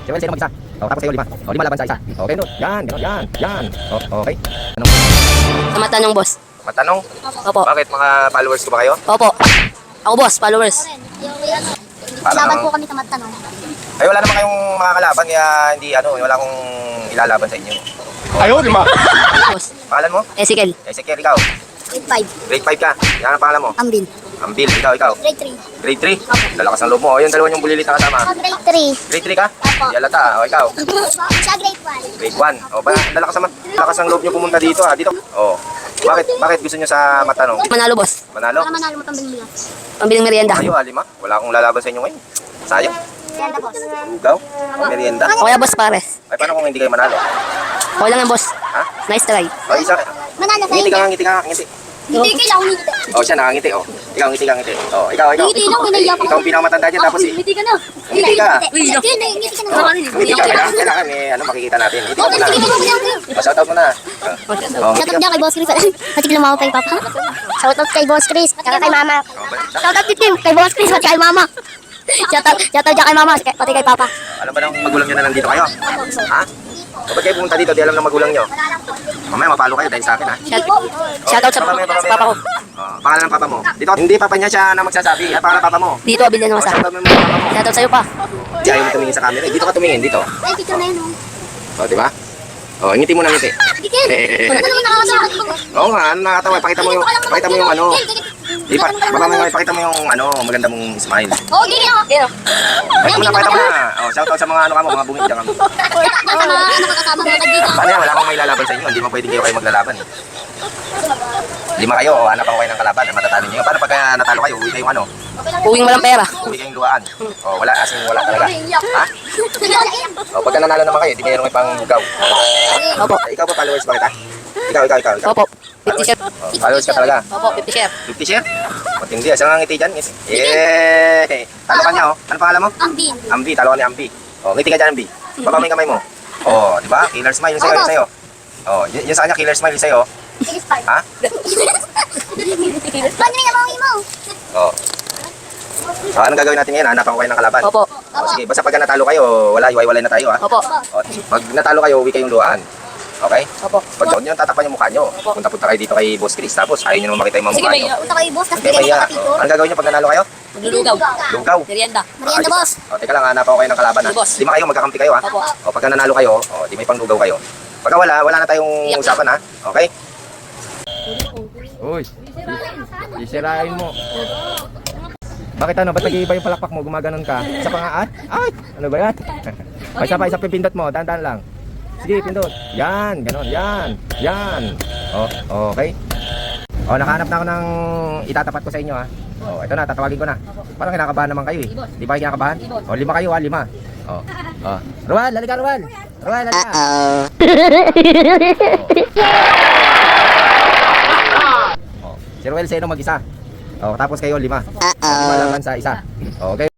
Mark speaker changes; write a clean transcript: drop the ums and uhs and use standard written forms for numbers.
Speaker 1: Si Ruel, sino mag-isa? O, tapos kayo, 5. O, 5 laban sa isa. Okay, Pindot. Yan, ganun, yan, yan. O, okay. Ano?
Speaker 2: Sa matanong, boss.
Speaker 1: Matanong?
Speaker 2: Opo.
Speaker 1: Bakit? Mga followers ko ba kayo?
Speaker 2: Opo. Ako, boss. Followers.
Speaker 3: Laban po kami sa matanong.
Speaker 1: Ay, wala naman kayong mga kalaban, kaya hindi, wala akong ilalaban sa inyo.
Speaker 4: Ayaw, lima.
Speaker 2: Boss.
Speaker 1: Pangalan mo?
Speaker 2: Ezekiel.
Speaker 1: Ezekiel, ikaw.
Speaker 3: Grade 5.
Speaker 1: Grade 5 ka. Yan ang pangalan mo.
Speaker 3: Ambin.
Speaker 1: Ambil, ikaw.
Speaker 3: Grade 3.
Speaker 1: Grade 3? Lalakas ng loob mo. O, yung dalawa yung bulilit na kasama.
Speaker 3: Grade 3.
Speaker 1: Grade 3 ka? Di alata. O, ikaw.
Speaker 3: Sa grade 1.
Speaker 1: Grade 1. O, ba, lalakas ng loob nyo pumunta dito, ha? Dito. O, bakit gusto nyo sa matanong?
Speaker 2: Manalo, boss.
Speaker 1: Manalo?
Speaker 3: Para manalo mo pambiling bigas.
Speaker 2: Pambiling merienda.
Speaker 1: Kayo, Alima. Wala akong lalaban sa inyo ngayon. Sayang.
Speaker 3: Ganda boss.
Speaker 1: Ugaw. Merienda.
Speaker 2: O kaya, boss, pares.
Speaker 1: Ay, paano kung hindi kayo manalo?
Speaker 2: Okay lang yan, boss.
Speaker 1: Ha?
Speaker 2: Nice try.
Speaker 1: O, isa.
Speaker 3: Manalo sa
Speaker 1: Ngiti
Speaker 3: inyo.
Speaker 1: ka, ngiti ka, ngiti.
Speaker 3: Hindi kailangan ngiti.
Speaker 1: O, siya nakangiti, o. Ikaw, ngiti ka, ngiti. O, ikaw.
Speaker 3: Ngiti lang, kinaya pa.
Speaker 1: Ikaw ang pinakamatanda dyan, tapos
Speaker 3: Ngiti ka na.
Speaker 1: Ngiti ka.
Speaker 3: Ngiti ka na.
Speaker 1: Ngiti ka. Kailangan, makikita natin. Ngiti
Speaker 3: Oh,
Speaker 1: ka na.
Speaker 3: sige, sige.
Speaker 1: O, shoutout mo na. O,
Speaker 3: Shoutout
Speaker 1: ngiti ka.
Speaker 3: dyan kay Boss Chris. Pati lang ako kay Papa. Shoutout kay Boss Chris. Tsaka kay Mama. Shoutout din kay Boss Chris. Pati kay Mama. Shoutout dyan kay Mama. Pati kay Papa.
Speaker 1: Alam ba ng magulang nyo na nandito kayo? Ha? O, ba't kayo pumunta dito? Di alam ng magulang nyo? Mamaya mapalo kayo dahil sa akin, ha?
Speaker 2: Shoutout sa papa ko.
Speaker 1: Pangalan ng papa mo. Dito, hindi papa niya siya na magsasabi. At pangalan ng papa mo.
Speaker 2: Dito, abilyan naman sa akin.
Speaker 1: Shoutout mo yung papa mo.
Speaker 2: Shoutout sa'yo pa.
Speaker 1: Di ayaw mo tumingin sa camera. Dito ka tumingin, dito.
Speaker 3: Ay, picture na yun. Oh.
Speaker 1: O, di ba? O, ngiti mo na ngiti.
Speaker 3: Gigil. Ano naman nakakasama?
Speaker 1: Oo nga, ano nakakatawa. Pakita mo yung ano. Pakita mo yung maganda mong smile.
Speaker 3: Oo, gigil ako.
Speaker 2: Kaya,
Speaker 1: Pakita mo na. O, shoutout sa mga mga bungit dyan kami.
Speaker 3: Sa mga nakakasama mga kaibigan.
Speaker 1: Paano yan? Wala akong may lalaban sa inyo. Hindi mo pwedeng kayo maglalaban. 5 kayo, o hanap ako kayo ng kalaban. Matatalo nyo. Paano pagka natalo kayo, uwi kayong
Speaker 2: uwing walang pera.
Speaker 1: uwi kayong luhaan. O, wala, as in wala talaga. Ha? O, pagka nanalo naman kayo, di mayroong ipang lugaw.
Speaker 2: Opo.
Speaker 1: Ikaw pa followers ba kita? Ikaw.
Speaker 2: Opo. 50 share.
Speaker 1: O, followers ka talaga.
Speaker 2: Opo, 50 share.
Speaker 1: 50 share? Matindi. Saan nga ngiti dyan? Yay! Talo ka niya, o. Ano pangalan mo?
Speaker 3: Ambin.
Speaker 1: Ambi, talo ka ni Ambi. O, ngiti ka dyan, Ambi. Baba mo yung kamay mo. O, di ba? Killer smile, yung sa'yo. O, yun sa kanya, killer smile, yung sa'yo. Ha?
Speaker 3: Paano niya mga mo?
Speaker 1: O. So, anong gagawin natin ngayon? Hanapan ko kayo ng kalaban.
Speaker 2: Opo.
Speaker 1: O, sige, basta pagka natalo kayo, iwalay na tayo, ha?
Speaker 2: Opo.
Speaker 1: O, pag natalo kayo, uwi kayong luhaan. Okay?
Speaker 2: Opo.
Speaker 1: Pag huwag nyo tatakpan yung mukha nyo, punta-punta kayo dito kay Boss Chris, tapos ayaw nyo naman makita yung mga
Speaker 2: Sige,
Speaker 1: mukha
Speaker 2: may
Speaker 1: nyo.
Speaker 3: Punta kay Boss, tapos
Speaker 1: Okay,
Speaker 3: bigyan
Speaker 1: maya.
Speaker 3: ng kapito.
Speaker 1: Anong gagawin nyo pag nanalo kayo?
Speaker 2: Maglulugaw.
Speaker 1: Lugaw.
Speaker 2: Merienda.
Speaker 3: Merienda,
Speaker 1: Ayos.
Speaker 3: boss.
Speaker 1: O, teka lang, hanapan ko kayo ng kalaban, ha?
Speaker 2: Sige, boss.
Speaker 1: 5 kayo, magkakampi kayo, ha?
Speaker 2: Opo.
Speaker 1: O, pagka nanalo kayo, di may panglugaw kayo. Pagka wala na tayong
Speaker 2: Iyak.
Speaker 1: usapan, ha? Okay? Uy, isirain mo. Bakit ba't nag-iiba yung palakpak mo? Gumaganon ka? Isa pa nga, ay! Ano ba yan? Isa pipindot mo, dahan-dahan lang. Sige, pindot. Yan, ganon, yan. O, okay. O, nakahanap na ako ng itatapat ko sa inyo, ha. O, ito na, tatawagin ko na. Parang kinakabahan naman kayo, eh. Di ba kayo kinakabahan? O, 5 kayo, ha, 5. O. Ruel, halika, Ruel. Ruel, halika. Si Ruel Seno mag-isa. O, tapos kayo 5. 5 laban sa isa. Okay.